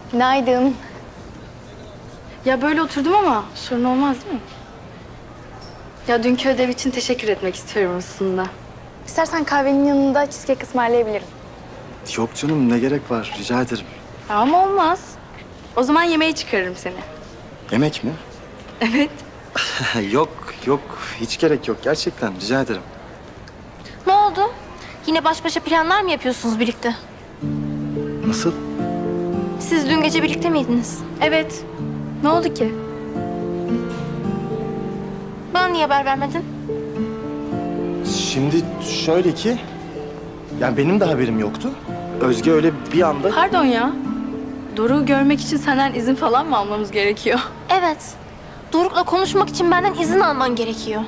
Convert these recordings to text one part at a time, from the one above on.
Günaydın. Ya böyle oturdum ama sorun olmaz değil mi? Ya dünkü ödev için teşekkür etmek istiyorum aslında. İstersen kahvenin yanında cheesecake ısmarlayabilirim. Yok canım, ne gerek var? Rica ederim. Ama olmaz. O zaman yemeğe çıkarırım seni. Yemek mi? Evet. Yok, yok. Hiç gerek yok. Gerçekten rica ederim. Ne oldu? Yine baş başa planlar mı yapıyorsunuz birlikte? Nasıl? Siz dün gece birlikte miydiniz? Evet. Ne oldu ki? Bana niye haber vermedin? Şimdi şöyle ki... Yani benim de haberim yoktu. Özge öyle bir anda... Pardon ya. Doruk'u görmek için senden izin falan mı almamız gerekiyor? Evet. Doruk'la konuşmak için benden izin alman gerekiyor.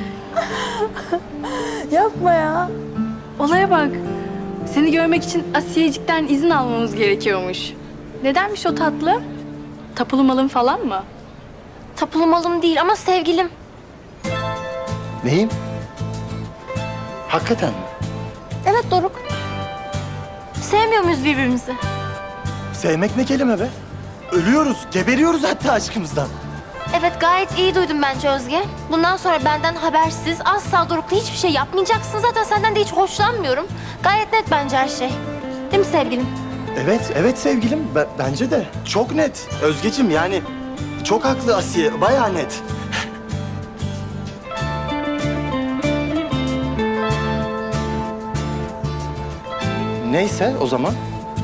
Yapma ya. Olaya bak. Seni görmek için Asiyecik'ten izin almamız gerekiyormuş. Nedenmiş o tatlı? Tapulu malın falan mı? Tapulu malım değil ama sevgilim. Neyim? Hakikaten mi? Evet Doruk. Sevmiyor muyuz birbirimizi? Sevmek ne kelime be? Ölüyoruz, geberiyoruz hatta aşkımızdan. Evet gayet iyi duydum bence Özge. Bundan sonra benden habersiz asla Doruk'la hiçbir şey yapmayacaksın. Zaten senden de hiç hoşlanmıyorum. Gayet net bence her şey. Değil mi sevgilim? Evet, evet sevgilim. Bence de. Çok net. Özgeciğim yani çok haklı Asiye. Bayağı net. Neyse o zaman.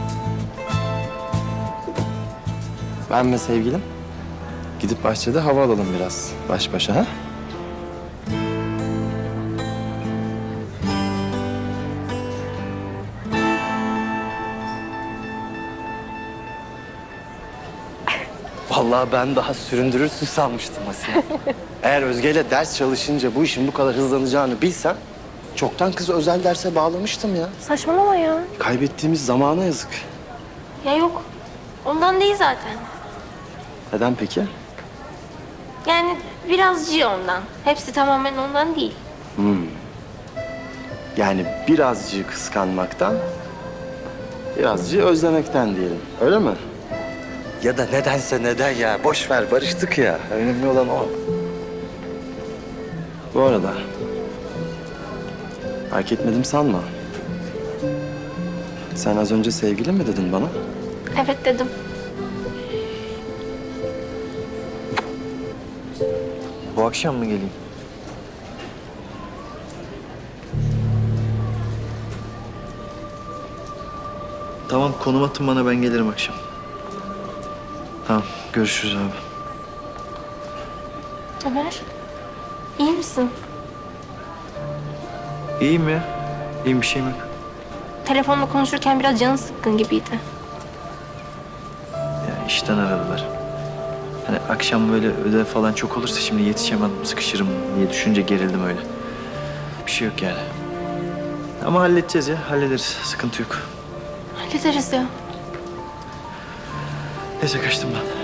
Ben ve sevgilim gidip bahçede hava alalım biraz baş başa ha? Vallahi ben daha süründürürsün sanmıştım Asiye. Eğer Özge'yle ders çalışınca bu işin bu kadar hızlanacağını bilsem... ...çoktan kızı özel derse bağlamıştım ya. Saçmalama ya. Kaybettiğimiz zamana yazık. Ya yok. Ondan değil zaten. Neden peki? Yani birazcık ondan. Hepsi tamamen ondan değil. Yani birazcık kıskanmaktan... ...birazcık özlemekten diyelim. Öyle mi? Ya da nedense neden ya. Boş ver, barıştık ya. Önemli olan o. Bu arada... ...fark etmedim sanma. Sen az önce sevgilin mi dedin bana? Evet dedim. Bu akşam mı geleyim? Tamam, konum atın bana, ben gelirim akşam. Tamam, görüşürüz abi. Ömer, iyi misin? İyiyim ya. İyiyim, bir şeyim yok. Telefonla konuşurken biraz canın sıkkın gibiydi. Ya işten aradılar. Hani akşam böyle ödev falan çok olursa şimdi yetişemem, sıkışırım diye düşünce gerildim öyle. Bir şey yok yani. Ama halledeceğiz ya, hallederiz. Sıkıntı yok. Hallederiz ya. Neyse, kaçtım ben.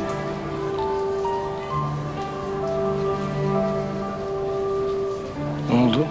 Ne oldu?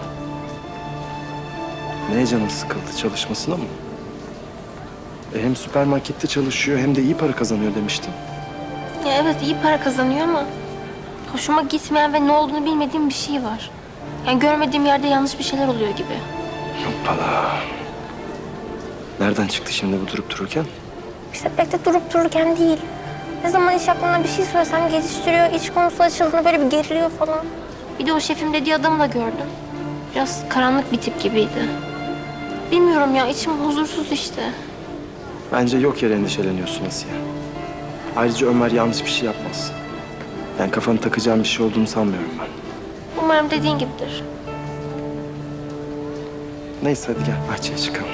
Neye canın sıkıldı? Çalışmasına mı? Hem süpermarkette çalışıyor hem de iyi para kazanıyor demiştin. Ya evet iyi para kazanıyor ama hoşuma gitmeyen ve ne olduğunu bilmediğim bir şey var. Yani görmediğim yerde yanlış bir şeyler oluyor gibi. Hoppala. Nereden çıktı şimdi bu durup dururken? İşte pek de durup dururken değil. Ne zaman iş aklına bir şey söylesem geçiştiriyor, iş konusu açıldığında böyle bir geriliyor falan. Bir de o şefim dediği adamı da gördüm. Biraz karanlık bir tip gibiydi. Bilmiyorum ya, içim huzursuz işte. Bence yok yere endişeleniyorsun Asiye. Ayrıca Ömer yanlış bir şey yapmaz. Yani kafanı takacağın bir şey olduğunu sanmıyorum ben. Umarım dediğin gibidir. Neyse hadi gel bahçeye çıkalım.